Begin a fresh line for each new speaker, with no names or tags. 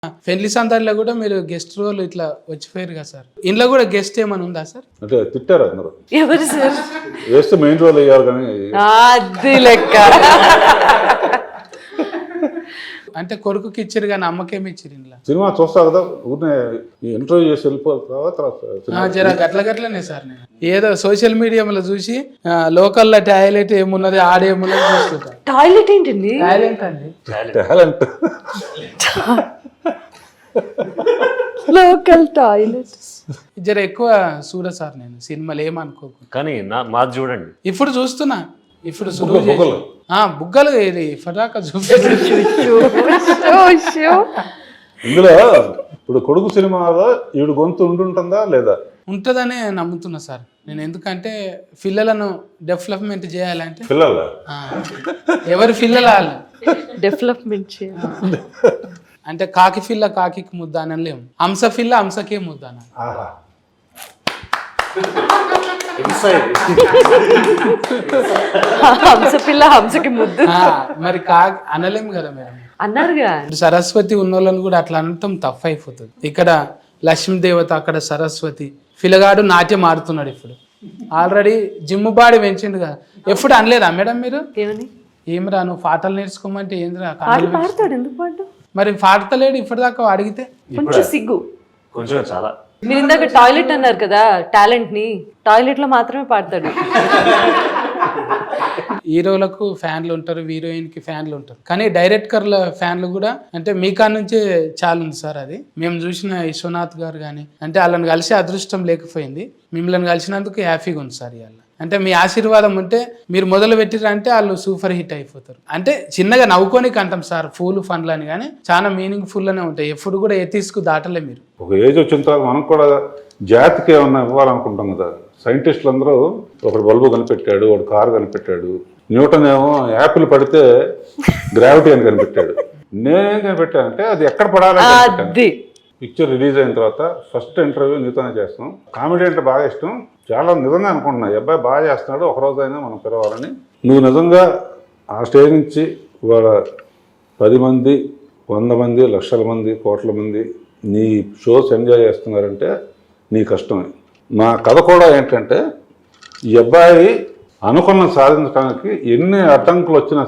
పెళ్లి సందర్లో కూడా మీరు గెస్ట్ రోల్ ఇట్లా వచ్చిపోయారు కదా సార్. ఇంట్లో కూడా గెస్ట్ ఏమైనా ఉందా సార్?
అంటే తిట్టారు అందరూ,
ఎవరు సార్?
వేస్తే మెయిన్ రోల్ అయ్యారు కానీ
అది లెక్క.
అంటే కొడుకుకి ఇచ్చారు కానీ అమ్మకేమి ఇచ్చారు ఇంట్లో?
సినిమా చూస్తా కదా, ఊరినే ఇంటర్వ్యూ చేసి వెళ్ళిపోతావా తర్వాత
జర గట్లనే సార్. నేను ఏదో సోషల్ మీడియాలో చూసి లోకల్లో టాయిలెట్ ఏమున్నది ఆడేమున్నది చూస్తుంటా.
టాయిలెట్ ఏంటండి?
టాయిలెట్ అండి,
టాలెంట్.
Local toilet.
జర ఎక్కువ చూడ సార్ నేను సినిమాలు ఏమనుకోకు.
కానీ మాది చూడండి.
ఇప్పుడు చూస్తున్నా, ఇప్పుడు
బుగ్గలు.
బుగ్గలు ఇది ఫటాకా చూపేసి
ఇందులో ఇప్పుడు కొడుకు సినిమాలో ఈవిడ గొంతు ఉంటుందా లేదా?
ఉంటుందనే నమ్ముతున్నా సార్ నేను. ఎందుకంటే పిల్లలను డెవలప్మెంట్ చేయాలంటే
పిల్లల
ఎవరి పిల్లలు వాళ్ళు
డెవలప్మెంట్ చేయాలి
అంటే కాకి పిల్ల కాకి ముద్ద అని లేము, హంస పిల్ల హంసకే ముద్ద అని.
ఆహా,
హంస పిల్ల హంసకి ముద్దు
మరి కాకి అనలేము కదా మేడం.
అన్నారుగా.
ఇప్పుడు సరస్వతి ఉన్న వాళ్ళని కూడా అట్లా అనటం తప్పు అయిపోతుంది. ఇక్కడ లక్ష్మీదేవత, అక్కడ సరస్వతి. పిల్లగాడు నాట్యం ఆడుతున్నాడు ఇప్పుడు, ఆల్రెడీ జిమ్ బాడీ పెంచిండు కదా. ఎప్పుడు అనలేదా మేడం మీరు?
ఏమని?
ఏమిరా నువ్వు పాటలు నేర్చుకోమంటే ఏందిరా?
పాటలు పాడతాడు, ఎందుకు పాడు?
మరి పాడతలేడు ఇప్పటిదాకా అడిగితే.
కొంచెం సిగ్గు,
కొంచెం చాలా.
మీరు ఇందాక టాయిలెట్ అన్నారు కదా, టాలెంట్ ని టాయిలెట్ లో మాత్రమే పాడతాడు.
హీరోలకు ఫ్యాన్లు ఉంటారు, హీరోయిన్ కి ఫ్యాన్లు ఉంటారు, కానీ డైరెక్టర్ల ఫ్యాన్లు కూడా అంటే మీ కాడ నుంచే చాలా ఉంది సార్. అది మేము చూసిన విశ్వనాథ్ గారు కానీ అంటే వాళ్ళని కలిసి అదృష్టం లేకపోయింది, మిమ్మల్ని కలిసినందుకు హ్యాపీగా ఉంది సార్. ఇవాళ అంటే మీ ఆశీర్వాదం ఉంటే మీరు మొదలు పెట్టిరంటే వాళ్ళు సూపర్ హిట్ అయిపోతారు. అంటే చిన్నగా నవ్వుకోనికి అంటాం సార్ ఫూల్ ఫన్లు అని, కానీ చాలా మీనింగ్ ఫుల్ అనే ఉంటాయి. ఎప్పుడు కూడా ఎత్తిసుకు దాటలే మీరు.
ఒక ఏజ్ వచ్చిన తర్వాత మనం కూడా జాతికి ఏమన్నా ఇవ్వాలనుకుంటాం కదా. సైంటిస్టులు అందరూ ఒకడు బల్బు కనిపెట్టాడు, ఒకడు కారు కనిపెట్టాడు, న్యూటన్ ఏమో యాపిల్ పడితే గ్రావిటీ అని కనిపెట్టాడు. నేనేం కనిపెట్టానంటే అది ఎక్కడ పడాలి. పిక్చర్ రిలీజ్ అయిన తర్వాత ఫస్ట్ ఇంటర్వ్యూ నీతోనే చేస్తాం. కామెడీ అంటే బాగా ఇష్టం, చాలా నిజంగా అనుకుంటున్నా ఈ అబ్బాయి బాగా చేస్తున్నాడు, ఒకరోజైనా మనం పిలవాలని. నువ్వు నిజంగా ఆ స్టేజ్ నుంచి ఇవాళ 10 మంది 100 మంది లక్షల మంది కోట్ల మంది నీ షోస్ ఎంజాయ్ చేస్తున్నారంటే నీ కష్టమే. మా కథ కూడా ఏంటంటే ఈ అబ్బాయి అనుకున్న సాధించడానికి ఎన్ని అడ్డంకులు వచ్చినా